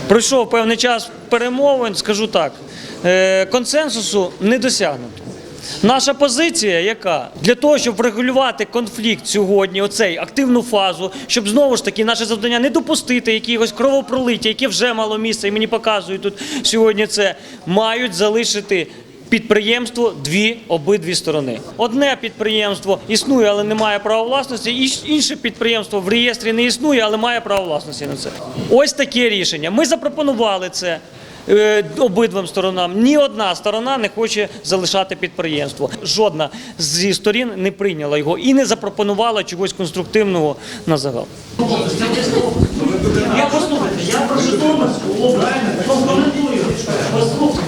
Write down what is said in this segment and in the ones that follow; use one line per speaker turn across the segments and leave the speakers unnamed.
Пройшов певний час перемовин, скажу так, консенсусу не досягнуто. Наша позиція яка? Для того, щоб врегулювати конфлікт сьогодні, оцей активну фазу, щоб знову ж таки наше завдання не допустити якогось кровопролиття, яке вже мало місце, і мені показують тут сьогодні це, мають залишити підприємство обидві сторони. Одне підприємство існує, але не має права власності, інше підприємство в реєстрі не існує, але має право власності на це. Ось таке рішення. Ми запропонували це обидвим сторонам. Ні одна сторона не хоче залишати підприємство. Жодна зі сторін не прийняла його і не запропонувала чогось конструктивного на загал. Я послухайте, я про Житомирську область прокоментую. Послухайте.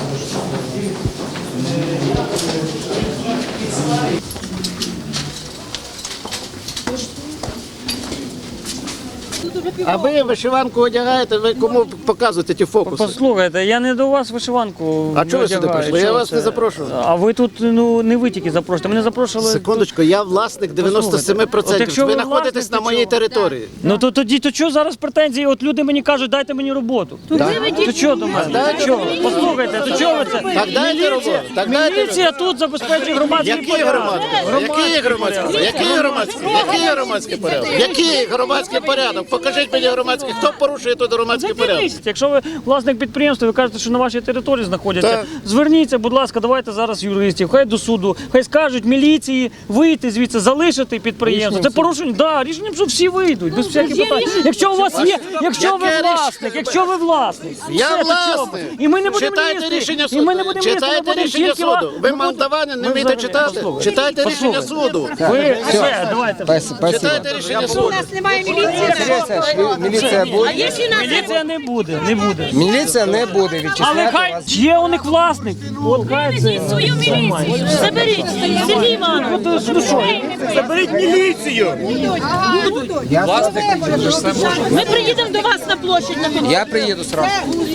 А ви вишиванку одягаєте, ви кому показуєте ті фокуси?
Послухайте, я не до вас вишиванку.
А чого ви сюди прийшли? Я вас не запрошував.
А ви тут, не ви тільки запрошуєте, мене запрошували.
Секундочку, я власник 97%. Ви знаходитесь на моїй території.
Ну то тоді, то чого зараз претензії? От люди мені кажуть, дайте мені роботу. То чого до мене? Послухайте, то чого ви це?
Так дайте роботу.
Міліція тут забезпечує громадський порядок.
Який громадський порядок? Який громадський порядок? Покажіть мені громадський. Хто порушує тут громадський порядок?
Якщо ви власник підприємства, ви кажете, що на вашій території знаходяться, зверніться, будь ласка, давайте зараз юристів, хай до суду, хай скажуть міліції вийти звідси, залишити підприємство. Це порушення, да, рішенням, що всі вийдуть, без всяких питань. Якщо у вас є, якщо ви власник,
Я власник.
і ми не будемо
Читайте рішення
і ми не
суду.
будемо
Читайте рішення суду. Ви мандавани не вмієте читати? Читайте рішення суду.
Ви все, давайте.
Читайте рішення суду.
У нас немає міліції.
Міліція буде.
Міліція не буде, не буде.
Міліція не буде
Але
відчисляти
хай
вас.
є у них власник. От хай це.
Свою міліцію. Заберіть. Сергій Іванович.
Ну що, заберіть міліцію.
Я власник, ви ж це можете.
Ми приїдемо до вас на площадь.
Я приїду сразу.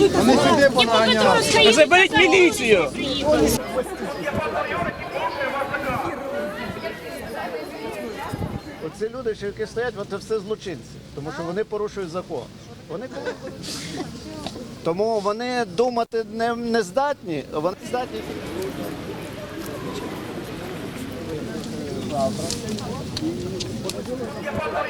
Заберіть міліцію.
Оці люди, що які стоять, це все злочинці, тому що вони порушують закон. Тому вони думати не здатні, вони здатні. Завтра.